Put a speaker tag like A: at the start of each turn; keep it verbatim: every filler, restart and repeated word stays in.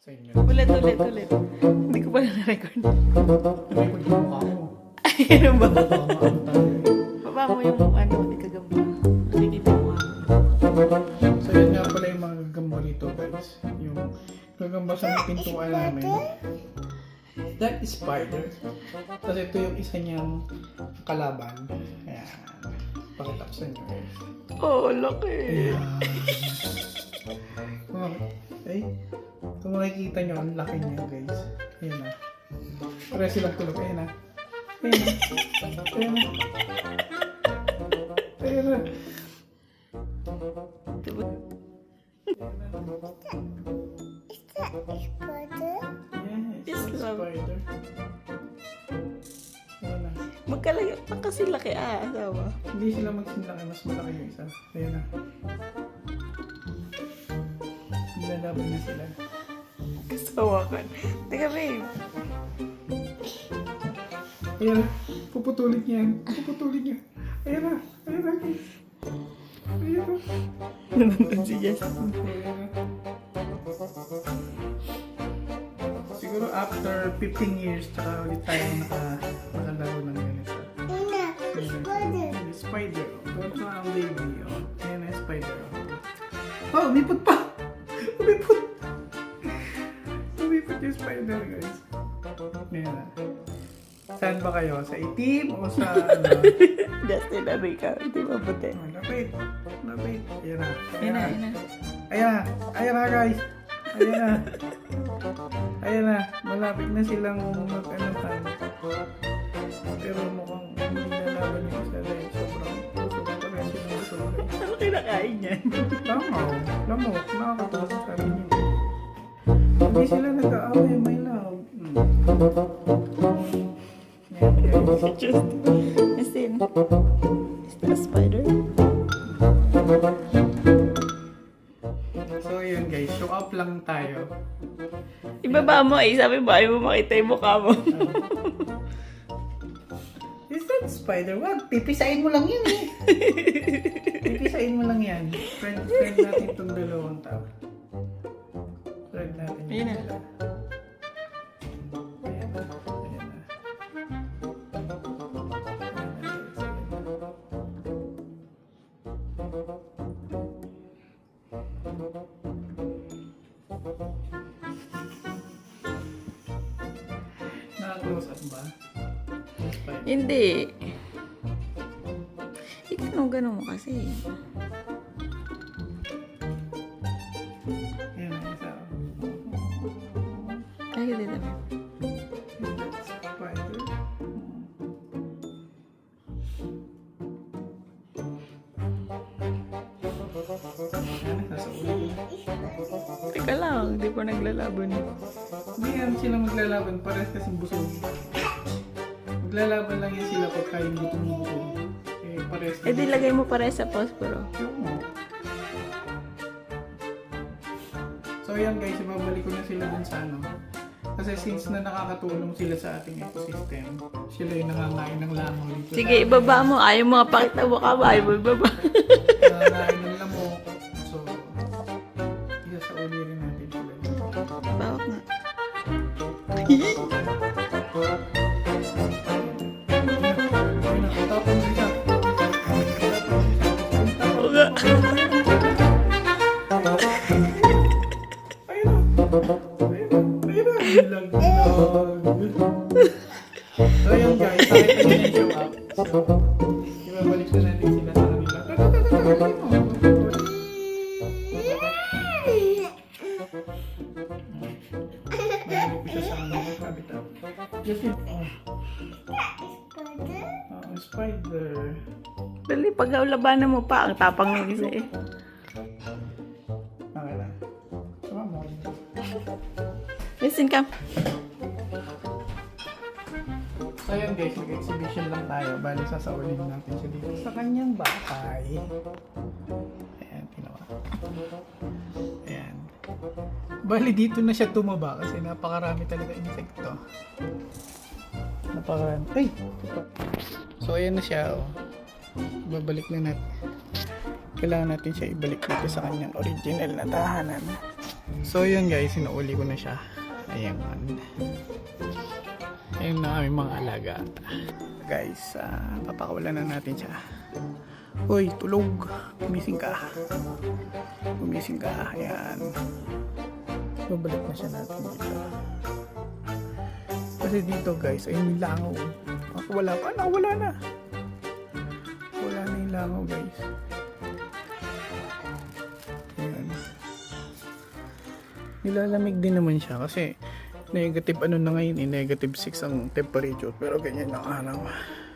A: Sa inyo.
B: Ulit, ulit, ulit. Hindi ko pala na-record.
A: Na-record yung mukha mo.
B: Ay, ano ba?
A: Tama, ano tayo.
B: Baba mo yung ano, di kagamba. Nakikita mo ako.
A: So yun nga pala yung mga gagamba rito guys. Yung gagamba sa may pintuan namin. That is spider. Tapos ito yung isa niyang kalaban. Ayan. Pakita ko sa inyo guys.
B: Oh, laki.
A: Ayan. Kung, ay, kung makikita nyo, ang laki niya guys. Ayan na. Pareha silang tulog. Ayan na. Ayan na. Ayan na. Ayan na. Yes,
B: Yes,
A: it's a
B: love.
A: spider. Ayan na.
B: Magkalayo pa kasi laki ah, asawa.
A: Hindi sila magsinlaki, mas malaki yung isa. Ayan na. Nilalaban na sila.
B: Kasawa ka. Teka, babe.
A: Ayan na. Puputulin niya. Puputulin niya. Ayan na. Ayan na. Ayan na.
B: Nandun si Jess.
A: Ayan na. Siguro after fifteen years, tsaka ulit tayo naka, nakalaro ng ganito. Ayan. Spider. Doon sa ang baby. Oh. Ayan na, spider. Oh, umipot pa! Umipot! Umipot yung spider, guys. Ayan na. Saan ba kayo? Sa itim o sa ano?
B: Justin, ano ikaw? Hindi mabuti.
A: Oh, lapit. Lapit. Ayan na.
B: Ayun na, ayun na.
A: Ayan na. Ayan na, guys. Ayan na. Ayan na. Malapit na silang mag-anuhan. Pero mukhang hindi nalaban yung isa dahil sobrang puso pa rin silang gusto.
B: Ano kinakain niyan?
A: Lamaw. Lamok. Nakakatawa sa sabi niyo. Hindi sila nag-aaway. May love. Hmm. Ayan, guys.
B: Justin. Is that a spider?
A: So yun guys, show up lang tayo.
B: Ibaba mo eh. Sabi mo, ayaw mo makita yung mukha mo.
A: Is that spider? Wag, pipisain mo lang yan eh. Pipisain mo lang yan. Friend, friend natin itong dalawang tao. Friend natin
B: Ayun na.
A: sila. Ayan na. Ayan na. Ayan na. Naka-close up ba? Spider.
B: Hindi. Ikaw, ganun mo kasi.
A: Ayan na, isa.
B: Ay, dito ba?
A: Spider. Ayan, nasa ulo.
B: Teka lang, hindi pa naglalaban.
A: Hindi yan sila maglalaban, parehas kasing busog. Maglalaban lang yan sila pag kain gutom ng busog. Eh, parehas
B: Eh, di lagay mo pare sa posporo.
A: So yan guys, ibabalik ko na sila dun sa ano. Kasi since na nakakatulong sila sa ating ecosystem, sila yung nangangain ng langaw dito.
B: Sige, ibaba mo. Ayaw mo pakita mo ka ba? Ayaw mo ibaba.
A: Nangangain ng lamok. So, isa sa uli rin natin sila.
B: Bawak nga.
A: Ayun na, tapos isa.
B: Oo nga.
A: Ayun na. Ayun na. Ayun na. Bilang bilang. So yun guys, nakita nyo yung show up. So, ibabalik na natin sila sa kanila. Balik ko siya sa kanila. Habitat. Just yun. Oh. Oh, spider.
B: Dali, pag labanan mo pa, ang tapang ng isa eh.
A: Okay lang. Sama mo.
B: Listen ka.
A: So yun guys, mag-exhibition lang tayo. Bali, sasaulin natin siya dito sa kanyang bahay. Ayan, ginawa. Ayan. Bali, dito na siya tumaba kasi napakarami talaga insekto. Napakarami. Ay! So ayan na siya. Oh. Babalik na natin. Kailangan natin siya ibalik dito sa kanyang original na tahanan. So yun guys, sinuuli ko na siya. Ayan. Ayan na aming mga alaga. Guys, uh, papakawalan na natin siya. Uy, tulog. Gumising ka. Gumising ka. Ayan. Babalik na siya natin dito. Kasi dito guys, ayun yung langaw. Ako wala pa. Nakawala na. Wala na yung langaw guys. Ayan. Nilalamig din naman siya kasi negative ano na ngayon eh, negative six ang temperature pero ganyan ang araw.